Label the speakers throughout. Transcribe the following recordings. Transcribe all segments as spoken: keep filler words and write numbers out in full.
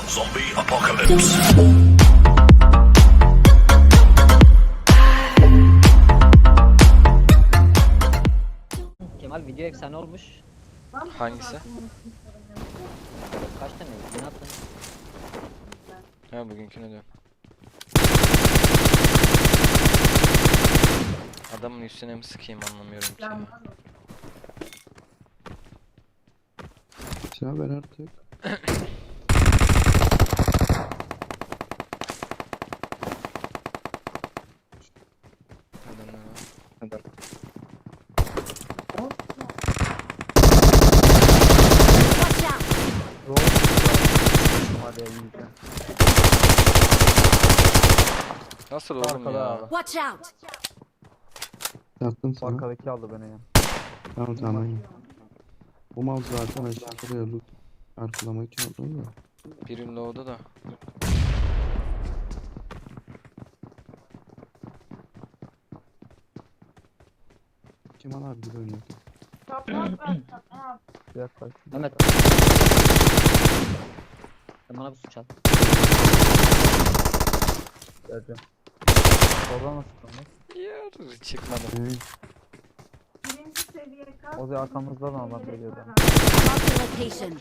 Speaker 1: Zombie apocalypse.
Speaker 2: Kemal video efsane olmuş.
Speaker 3: Hangisi?
Speaker 2: Kaç tane? Ne attın?
Speaker 3: Ha, bugünkünü diyorum. Adamın üstüne mi sıkayım anlamıyorum ki ya.
Speaker 4: Silah ver artık.
Speaker 3: Adamlar var.
Speaker 5: Watch out!
Speaker 6: Hadi yiyeceğim.
Speaker 3: Nasıl oğlum
Speaker 6: Arkada
Speaker 3: ya?
Speaker 6: abi.
Speaker 5: Watch out!
Speaker 4: Yattım sana.
Speaker 6: Arkadaki aldı beni ya.
Speaker 4: Tamam tamam aynen. Bu mal zaten aşağıya loot arkalamak için aldım da.
Speaker 3: Birim low'da da.
Speaker 4: Kemal abi gibi oynuyor.
Speaker 6: Yaklaş.
Speaker 2: Mehmet. Sen bana bir su çal.
Speaker 6: Geleceğim. Oradan nasıl çıkalım?
Speaker 3: Yer çıkmadı.
Speaker 4: Evet.
Speaker 6: O zaman arkamızdan adam geliyordu.
Speaker 5: Mark the location.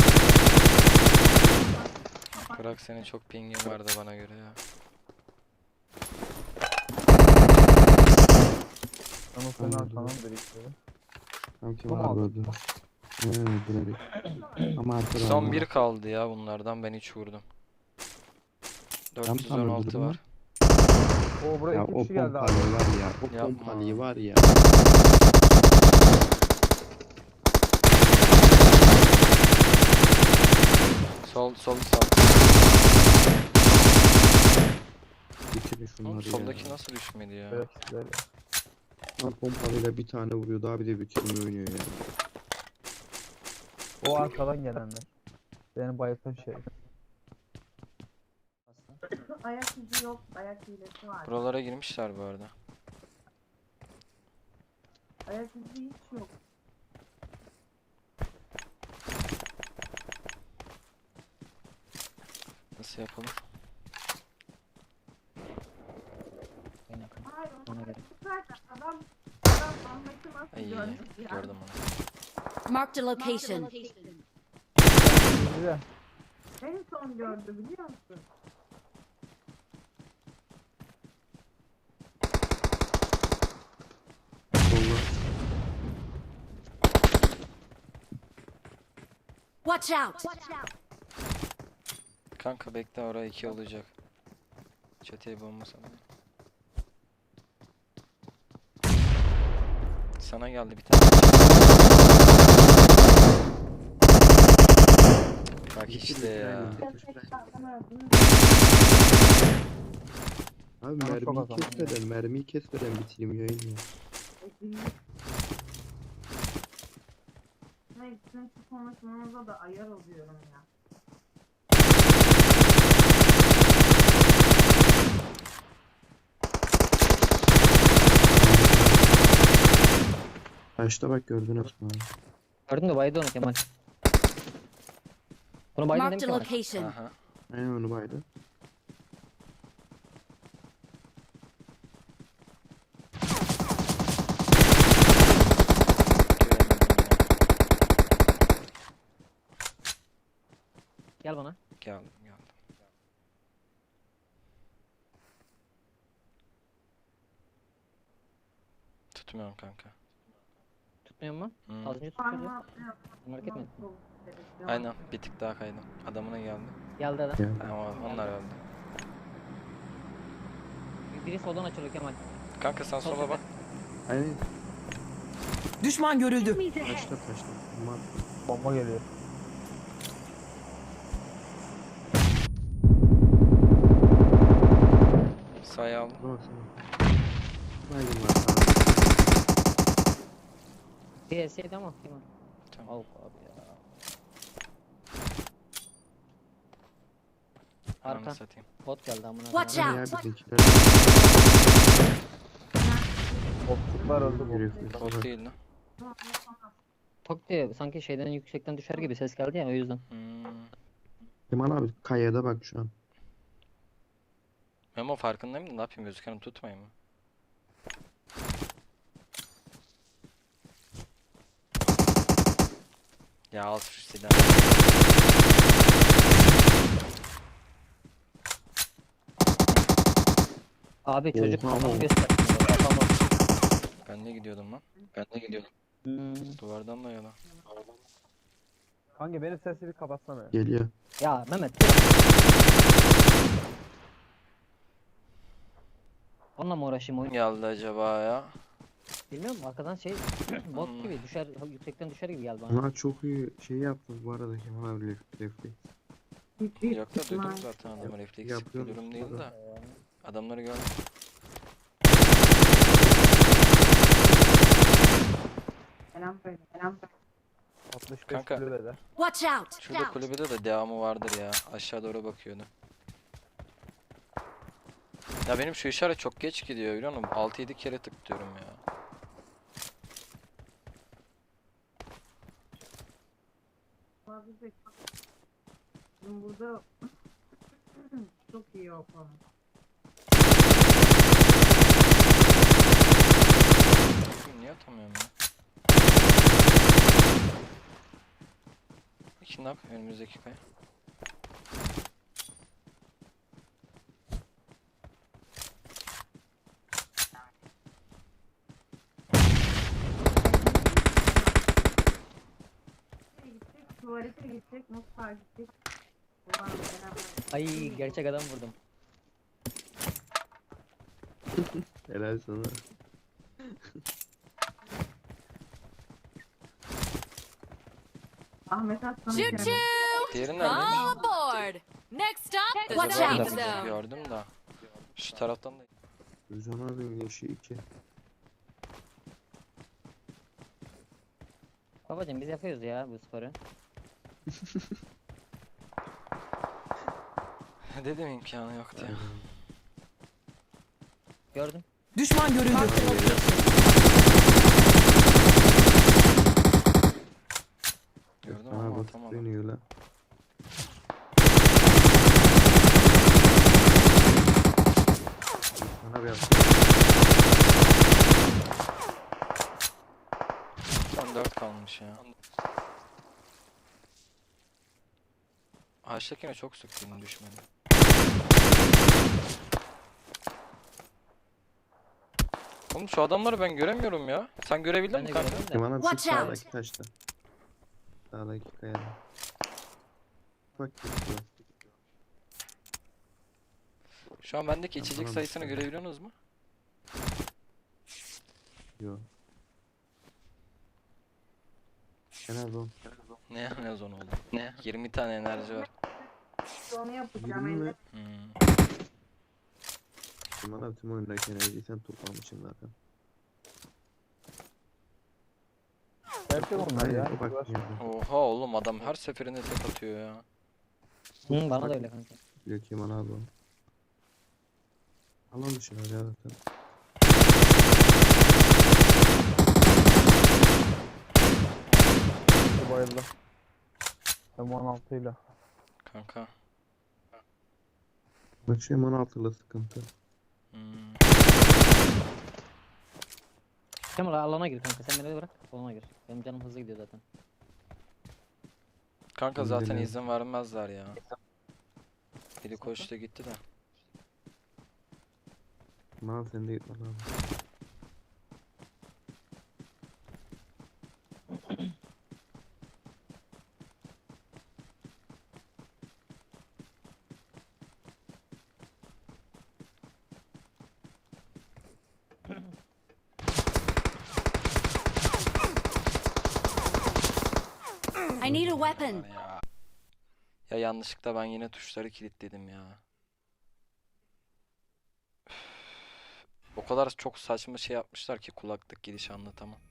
Speaker 3: Bırak, senin çok pingin vardı bana göre ya.
Speaker 6: Ben o senin
Speaker 4: Anladım.
Speaker 6: arkandan biriktiriyorum.
Speaker 4: Tamam
Speaker 6: Bu
Speaker 4: Kemal
Speaker 6: mu
Speaker 4: abi
Speaker 6: aldı?
Speaker 4: öldü. Evet direkt. Ama arkada
Speaker 3: Son
Speaker 4: adam
Speaker 3: bir
Speaker 4: var.
Speaker 3: kaldı ya bunlardan, ben hiç vurdum.
Speaker 4: tam
Speaker 3: dört yüz on altı
Speaker 4: öldürdüm
Speaker 3: var.
Speaker 6: Oo buraya
Speaker 4: Ya
Speaker 6: iki
Speaker 4: o
Speaker 6: kişi geldi abi.
Speaker 4: pompalıyı var ya. O
Speaker 3: Yapma.
Speaker 4: pompalıyı var ya.
Speaker 3: Sol sol sol.
Speaker 4: Bitirin
Speaker 3: Oğlum,
Speaker 4: şunları ya.
Speaker 3: soldaki nasıl düşmedi ya?
Speaker 6: Evet, böyle.
Speaker 4: Lan pompalıyla bir tane vuruyor daha bir de bitirme oynuyor ya.
Speaker 6: O arkadan gelenler. Beni bayıltan şey.
Speaker 7: Ayak izi yok, ayak hilesi var.
Speaker 3: Buralara girmişler bu arada.
Speaker 7: Ayak izi hiç yok.
Speaker 3: Nasıl yapalım?
Speaker 2: En yakın.
Speaker 7: Hayır,
Speaker 2: Ona
Speaker 7: onu
Speaker 2: göre.
Speaker 7: tutarsa adam, adam Ahmet'i nasıl
Speaker 3: Ay,
Speaker 7: görmüş ya?
Speaker 3: gördüm onu.
Speaker 5: Mark the location.
Speaker 6: Şimdi de
Speaker 7: En son gördü biliyor musun?
Speaker 4: Solla.
Speaker 5: Watch out!
Speaker 3: Kanka bekle, oraya iki olacak. Çeteye bomba sana. Sana geldi bir tane. Bak işte ya.
Speaker 4: Abi
Speaker 6: Bana çok
Speaker 4: mermiyi
Speaker 6: az ama
Speaker 4: kesmeden, mermiyi kesmeden bitireyim yayını ya.
Speaker 7: Neyse, şu konuşmanıza da ayar oluyorum ya.
Speaker 4: Başta bak gördün Osman abi.
Speaker 2: Gördün de baydı onu Kemal. Bunu baydın
Speaker 5: Mark
Speaker 2: değil mi
Speaker 5: the
Speaker 2: Kemal?
Speaker 5: location.
Speaker 3: Aha.
Speaker 4: Aynen onu baydı.
Speaker 2: Gel bana.
Speaker 3: Geldim geldim. Tutmuyorum kanka.
Speaker 2: Tutmuyor mu?
Speaker 3: Hmm.
Speaker 2: Az önce tutuyordu.
Speaker 7: Parmağı
Speaker 2: Merak etme.
Speaker 3: Aynen, bir tık daha kaydım. Adamına geldi.
Speaker 2: Geldi adam.
Speaker 4: Ya.
Speaker 3: Ama onlar öldü.
Speaker 2: Biri soldan açılıyor Kemal.
Speaker 3: Kanka sen
Speaker 2: Sol
Speaker 3: sola bak.
Speaker 4: Aynen.
Speaker 8: Düşman görüldü.
Speaker 4: Taşla taşla. Ama
Speaker 6: bomba geliyor.
Speaker 3: Sayı aldım.
Speaker 4: buna baksana. Baygın var sana.
Speaker 2: Bir eseydi ama Kemal.
Speaker 3: Tamam.
Speaker 2: Al abi ya.
Speaker 3: Ananı
Speaker 2: Arka.
Speaker 3: satayım.
Speaker 2: Bot geldi amına
Speaker 5: Watch
Speaker 2: koyayım.
Speaker 5: out.
Speaker 4: Ya bizimkiler.
Speaker 6: Botçuklar öldü bu.
Speaker 4: Herifler.
Speaker 3: Bot değil lan.
Speaker 2: Tok diye sanki şeyden yüksekten düşer gibi ses geldi ya o yüzden.
Speaker 3: Hmm.
Speaker 4: Kemal abi kayada bak şu an.
Speaker 3: Memo farkındayım da ne yapayım, gözükeni tutmayayım mı? Ya al şu silahı.
Speaker 2: Abi çocuk
Speaker 4: Oha,
Speaker 2: kafamı
Speaker 4: oha.
Speaker 2: gösterdi. Kafamı.
Speaker 3: Ben de gidiyordum lan. Ben de gidiyordum.
Speaker 2: Hmm.
Speaker 3: Duvardan da yana.
Speaker 6: Kanka benim sesi bir kapatsana ya.
Speaker 4: Geliyor.
Speaker 2: Ya Mehmet. Onunla mı uğraşayım oyun?
Speaker 3: Geldi acaba ya?
Speaker 2: Bilmiyorum, arkadan şey bot
Speaker 3: Hmm.
Speaker 2: gibi düşer, yüksekten düşer gibi geldi bana.
Speaker 4: Ama çok iyi şey yaptınız bu arada Kemal abi ref- refleks.
Speaker 7: Hiçbir
Speaker 3: Yok da duydum
Speaker 7: ihtimal-
Speaker 3: zaten adamı, refleksif bir
Speaker 4: Yapıyoruz
Speaker 3: durum değil
Speaker 4: burada.
Speaker 3: de. Adamları gördüm.
Speaker 7: Selam söyle. Selam söyle.
Speaker 6: altmış beş
Speaker 3: Kanka.
Speaker 6: kulübede.
Speaker 5: Watch out!
Speaker 3: Şurada kulübede de devamı vardır ya. Aşağı doğru bakıyordu. Ya benim şu işaret çok geç gidiyor biliyor musun? altı yedi kere tıklıyorum ya.
Speaker 7: Abi de- Bizim burada çok iyi o konu.
Speaker 3: Niye atamıyorum ya? İki nak önümüzdeki kaya.
Speaker 7: Nereye gidecek? Tuvalete gidecek, mutfağa gidecek. Ulan beraber.
Speaker 2: Ay, gerçek adam vurdum.
Speaker 4: Helal sana.
Speaker 7: Ahmet Aslan'ın
Speaker 5: Choo
Speaker 7: kendisi.
Speaker 5: choo!
Speaker 3: Diğeri neredeymiş?
Speaker 5: All aboard! Next stop, the
Speaker 2: Watch
Speaker 5: safe
Speaker 2: out.
Speaker 5: zone.
Speaker 3: Gördüm da. Şu taraftan da.
Speaker 4: Rüzan abi yaşı iki.
Speaker 2: Babacım biz yapıyoruz ya bu sporu.
Speaker 3: Dedim imkanı yok diye.
Speaker 2: Gördüm.
Speaker 8: Düşman görüldü.
Speaker 3: Gördüm
Speaker 4: Bana
Speaker 3: ama
Speaker 4: bak
Speaker 3: atamadım.
Speaker 4: dönüyor la. Bana bir yaptı.
Speaker 3: Son dört kalmış ya. Ağaçtakine çok sıktım düşmedi. Oğlum şu adamları ben göremiyorum ya. Sen görebildin
Speaker 2: Ben
Speaker 3: mi
Speaker 2: de
Speaker 3: kanka?
Speaker 2: gördüm de.
Speaker 4: Kemal abi şu
Speaker 5: Watch out.
Speaker 4: sağdaki taşta. Sağdaki kayada. Bak gitti lan.
Speaker 3: Şu an bendeki
Speaker 4: Ben
Speaker 3: içecek
Speaker 4: bana
Speaker 3: sayısını
Speaker 4: bakıyorum.
Speaker 3: görebiliyorsunuz mu?
Speaker 4: Yo. Kemal oğlum.
Speaker 3: Ne ya, ne zon oldu? Ne? yirmi tane enerji var.
Speaker 7: Onu yapacağım.
Speaker 4: Yirmi mi?
Speaker 7: elde.
Speaker 3: Hmm.
Speaker 4: Kemal abi tüm oyundaki enerjiyi sen toplamışsın zaten.
Speaker 6: Gerçek onlar
Speaker 4: Aynen,
Speaker 6: ya.
Speaker 4: o bak
Speaker 6: Uğraşma.
Speaker 4: yerde.
Speaker 3: Oha oğlum, adam her seferinde tek atıyor ya.
Speaker 2: Hı, bana da öyle kanka.
Speaker 4: Diyor Kemal abi o. Alan dışına ya zaten.
Speaker 6: Bu bayıldı. M on altı ile.
Speaker 3: Kanka.
Speaker 4: Bak şu Eman altılı sıkıntı.
Speaker 3: Hmm.
Speaker 2: Kemal alana gir kanka, sen beni bırak alana gir. Benim canım hızlı gidiyor zaten.
Speaker 3: Kanka
Speaker 4: Ben
Speaker 3: zaten
Speaker 4: deniyorum.
Speaker 3: izin vermezler ya. Biri koştu gitti de.
Speaker 4: Kemal sen de gitme lan.
Speaker 5: I need a weapon.
Speaker 3: Ya. Ya yanlışlıkla ben yine tuşları kilitledim ya. Üf. O kadar çok saçma şey yapmışlar ki kulaklık girişi anlatamam.